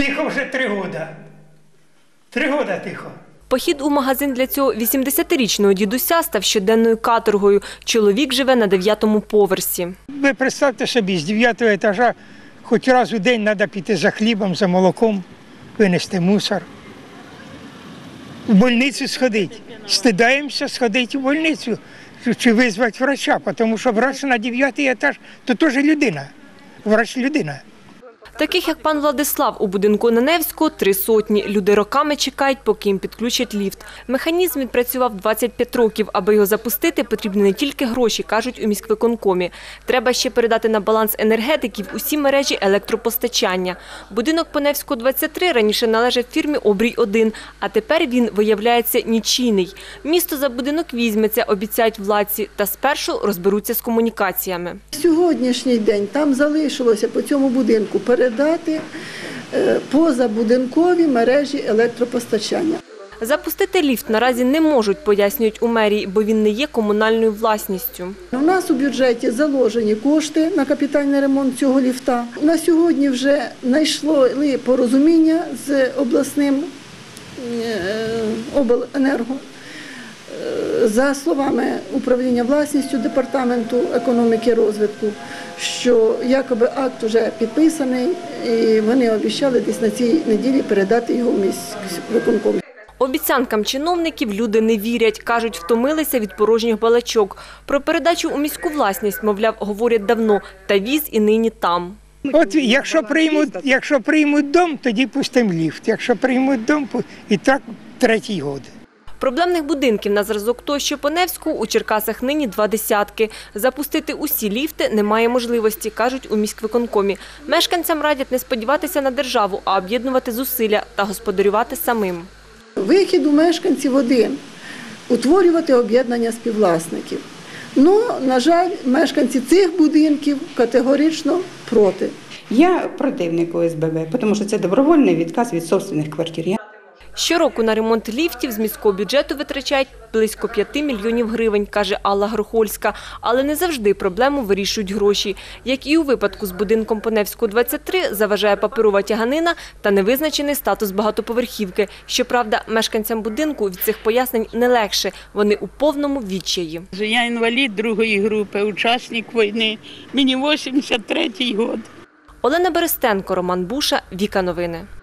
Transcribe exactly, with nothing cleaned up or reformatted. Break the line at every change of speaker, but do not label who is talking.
Тихо вже три роки. Три роки тихо.
Похід у магазин для цього вісімдесятирічного дідуся став щоденною каторгою. Чоловік живе на дев'ятому поверсі.
Ви представте собі, з дев'ятого етажа хоч раз у день треба піти за хлібом, за молоком, винести мусор. В больницю сходити. Стидаємося сходити в больницю чи визвати врача, тому що врач на дев'ятий етаж – то теж людина. Врач – людина.
Таких, як пан Владислав, у будинку на Невську три сотні. Люди роками чекають, поки їм підключать ліфт. Механізм відпрацював двадцять п'ять років. Аби його запустити, потрібні не тільки гроші, кажуть у міськвиконкомі. Треба ще передати на баланс енергетиків усі мережі електропостачання. Будинок по Невську, двадцять три раніше належав фірмі «Обрій один», а тепер він, виявляється, нічийний. Місто за будинок візьметься, обіцяють владці, та спершу розберуться з комунікаціями.
Сьогоднішній день там залишилося по цьому будинку передати позабудинкові мережі електропостачання.
Запустити ліфт наразі не можуть, пояснюють у мерії, бо він не є комунальною власністю.
У нас у бюджеті заложені кошти на капітальний ремонт цього ліфта. На сьогодні вже знайшли порозуміння з обласним обленерго. За словами управління власністю Департаменту економіки і розвитку, що якоби акт вже підписаний, і вони обіцяли десь на цій неділі передати його в міськвиконком.
Обіцянкам чиновників люди не вірять. Кажуть, втомилися від порожніх балачок. Про передачу у міську власність, мовляв, говорять давно. Та віз і нині там.
От якщо приймуть, якщо приймуть дом, тоді пустимо ліфт. Якщо приймуть дом, і так третій год.
Проблемних будинків на зразок того, що по Невську, у Черкасах нині два десятки. Запустити усі ліфти немає можливості, кажуть у міськвиконкомі. Мешканцям радять не сподіватися на державу, а об'єднувати зусилля та господарювати самим.
Вихід у мешканців один – утворювати об'єднання співвласників. Ну, на жаль, мешканці цих будинків категорично проти.
Я противник О С Б Б, тому що це добровольний відказ від власних квартир.
Щороку на ремонт ліфтів з міського бюджету витрачають близько п'яти мільйонів гривень, каже Алла Грохольська. Але не завжди проблему вирішують гроші. Як і у випадку з будинком по Невську, двадцять три, заважає паперова тяганина та невизначений статус багатоповерхівки. Щоправда, мешканцям будинку від цих пояснень не легше. Вони у повному відчаї.
Я інвалід другої групи, учасник війни. Мені вісімдесят третій рік.
Олена Берестенко, Роман Буша, Віка Новини.